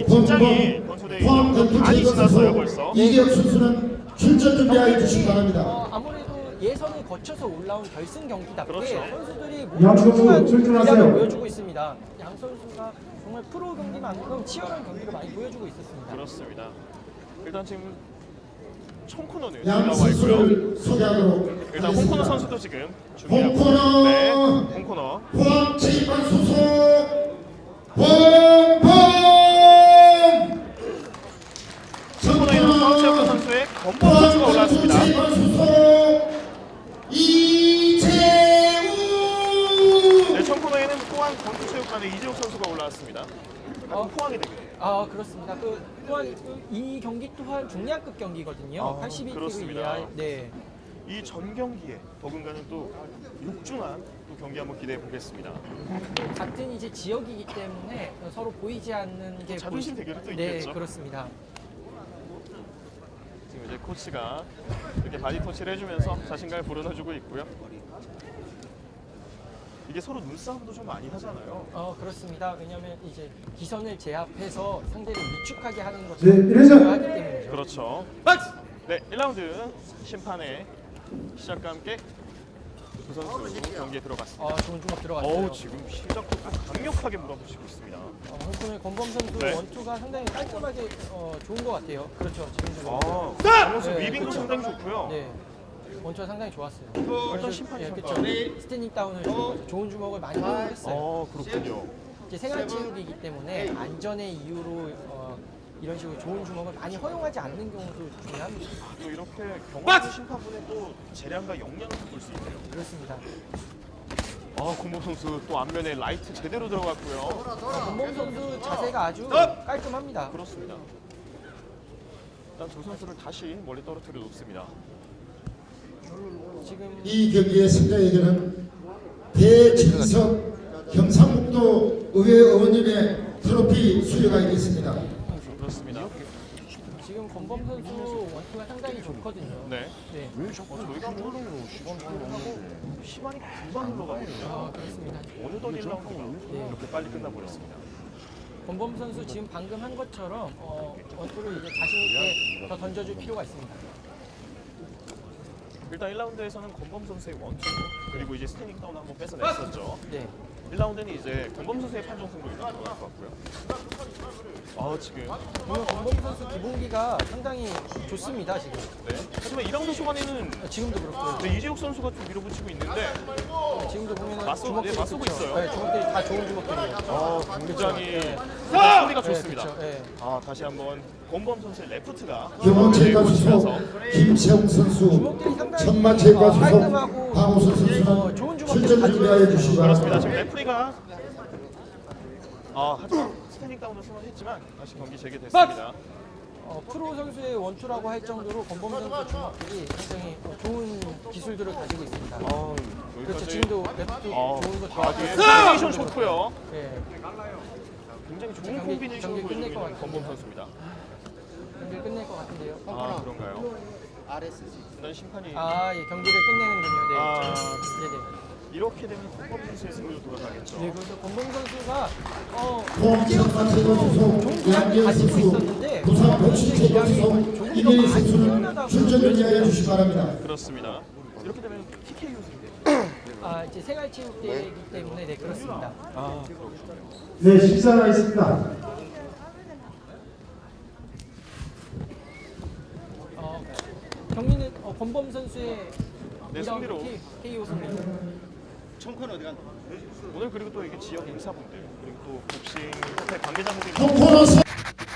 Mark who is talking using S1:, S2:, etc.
S1: 긴장이 권수대 많이 지났어요 벌써.
S2: 이기혁 선수는 출전 준비하여 주시기 바랍니다.
S3: 아무래도 예선을 거쳐서 올라온 결승 경기답게
S1: 그렇죠.
S3: 선수들이
S2: 양
S3: 모두
S2: 선수
S3: 충분한
S2: 출전하세요.
S3: 기량을 보여주고 있습니다. 양 선수가 정말 프로 경기만큼 치열한 경기를 많이 보여주고 있었습니다.
S1: 그렇습니다. 일단 지금 총코너는
S2: 양
S1: 나와
S2: 선수를
S1: 있고요.
S2: 소개하도록
S1: 일단 홍코너
S2: 하겠습니다.
S1: 선수도 지금 준비하고
S2: 홍코너!
S1: 네, 홍코너.
S2: 포항 체육관 소속 범범
S1: 홍코너에는 포항체육관 선수의 권범 선수가 올라왔습니다.
S2: 체육관 소속 이재우
S1: 네, 청코너에는 포항 권투체육관의 이재욱 선수가 올라왔습니다. 포항이 되겠네요.
S3: 그렇습니다. 또한 이 경기 또한 중량급 경기거든요. 82kg
S1: 그렇습니다.
S3: 이하. 네.
S1: 이 전 경기에 더군다나 또 육중한 또 경기 한번 기대해 보겠습니다.
S3: 같은 이제 지역이기 때문에 서로 보이지 않는 게
S1: 자존심 대결이 또
S3: 네,
S1: 있겠죠.
S3: 그렇습니다.
S1: 지금 이제 코치가 이렇게 바디 터치를 해주면서 자신감을 불어넣어주고 있고요. 이게 서로 눈싸움도 좀 많이 하잖아요.
S3: 그렇습니다. 왜냐하면 이제 기선을 제압해서 상대를 위축하게 하는 것이
S2: 네, 이래서-
S3: 중요하기 때문이죠.
S1: 그렇죠. 네, 1라운드 심판의 시작과 함께 두 선수 경기에 들어갔습니다.
S3: 좋은 주먹 들어갔어요.
S1: 지금 시작부터 강력하게 몰아붙이고 있습니다.
S3: 홍콩의 권범 선수
S1: 네.
S3: 원투가 상당히 깔끔하게 좋은 것 같아요. 그렇죠. 지금 주먹.
S1: 강호수
S3: 네,
S1: 위빙도
S3: 그렇죠.
S1: 상당히 좋고요.
S3: 네. 원투가 상당히 좋았어요.
S1: 일단 심판이
S3: 그렇죠.
S1: 평가.
S3: 스탠딩 다운을 주고 좋은 주먹을 많이 활용했어요.
S1: 그렇군요.
S3: 이제 생활체육이기 때문에 안전의 이유로 이런 식으로 좋은 주먹을 많이 허용하지 않는 경우도 중요합니다.
S1: 또 이렇게 경험한 심판분의 또 재량과 역량을 볼 수 있네요.
S3: 그렇습니다.
S1: 공범 선수 또 앞면에 라이트 제대로 들어갔고요.
S3: 권범 선수 자세가 아주 깔끔합니다.
S1: 그렇습니다. 일단 두 선수를 다시 멀리 떨어뜨려 놓습니다.
S3: 지금
S2: 이 경기의 승자에게는 배진석 경상북도 의회 의원님의 트로피 수여가 있겠습니다.
S1: 그렇습니다.
S3: 지금 권범 선수 원투가 상당히 좋거든요.
S1: 네.
S3: 네.
S1: 저희가 시간이 금방 흘러가거든요.
S3: 그렇습니다.
S1: 어느덧 1라운드가 이렇게 빨리 끝나버렸습니다.
S3: 권범 선수 지금 방금 한 것처럼 원투를 이제 자신 있게 더 던져줄 필요가 있습니다.
S1: 일단 1라운드에서는 권범 선수의 원투 그리고 이제 스탠딩 다운 한번 뺏어냈었죠.
S3: 네.
S1: 1라운드는 이제 권범 선수의 판정 승부가 일어날 것 같고요. 지금
S3: 오늘 권범 선수 기본기가 상당히 좋습니다. 지금.
S1: 네. 하지만 2라운드 초반에는
S3: 지금도 그렇고요.
S1: 네, 이재욱 선수가 좀 밀어붙이고 있는데
S3: 지금도 보면
S1: 네, 맞서고
S3: 그쵸?
S1: 있어요.
S3: 네, 주먹들이 다 좋은 주먹들이에요.
S1: 굉장히
S3: 네.
S1: 소리가
S3: 네,
S1: 좋습니다.
S3: 그쵸, 네.
S1: 다시 한번 권범 선수의 레프트가
S2: 경원체육관 소속
S1: 꽂히면서
S2: 김세웅 선수,
S3: 주먹들이 상당히
S2: 천마체육관 소속
S3: 깔끔하고
S2: 박우선 선수는
S3: 좋은 주먹들을
S2: 출전
S3: 가지고
S2: 준비하여 주시기
S1: 그렇습니다.
S2: 바랍니다.
S1: 지금 레프리가 하지만 스탠딩 다운을 선언했지만 다시 경기 재개됐습니다.
S3: 프로 선수의 원투라고 할 정도로 권범 선수 주먹들이 굉장히 좋은 기술들을 가지고 있습니다. 그렇죠.
S1: 여기까지
S3: 지금도 레프트 좋은 거
S1: 바디에
S3: 좋아하고
S1: 콤비네이션 좋고요.
S3: 네.
S1: 굉장히 좋은
S3: 경기
S1: 콤비네이션을
S3: 끝낼
S1: 보여주고
S3: 것
S1: 있는
S3: 같아요.
S1: 권범 선수입니다.
S3: 경기를 끝낼 것 같은데요.
S1: 그런가요? 일단 심판이
S3: 예, 경기를 끝내는군요. 네.
S1: 아.
S3: 네네.
S1: 이렇게 되면 권범 선수의 승리로 돌아가겠죠.
S3: 네, 그래서 권범 선수가
S2: 포항
S3: 이재욱
S2: 천마체육관
S3: 선수도
S2: 소속
S3: 좋은 기량을
S2: 양기현
S3: 가지고
S2: 선수,
S3: 있었는데
S2: 부산 복식체육관 소속
S3: 조금 더
S2: 이대희
S3: 많이
S2: 선수는
S3: 뛰어나다고
S2: 출전 준비하여
S3: 보여집니다.
S2: 주시기 바랍니다.
S1: 그렇습니다. 이렇게 되면 TKO 승리.
S3: 이제 생활체육대회이기 때문에 네 그렇습니다.
S1: 그렇군요.
S2: 네, 식사가 있습니다.
S3: 경기는 권범 선수의
S1: 네,
S3: 2라운드
S1: 승리로.
S3: KO 승리.
S1: 오늘 그리고 또 이게 지역 인사분들 그리고 또 복싱 협회 관계자분들이
S2: 홍코너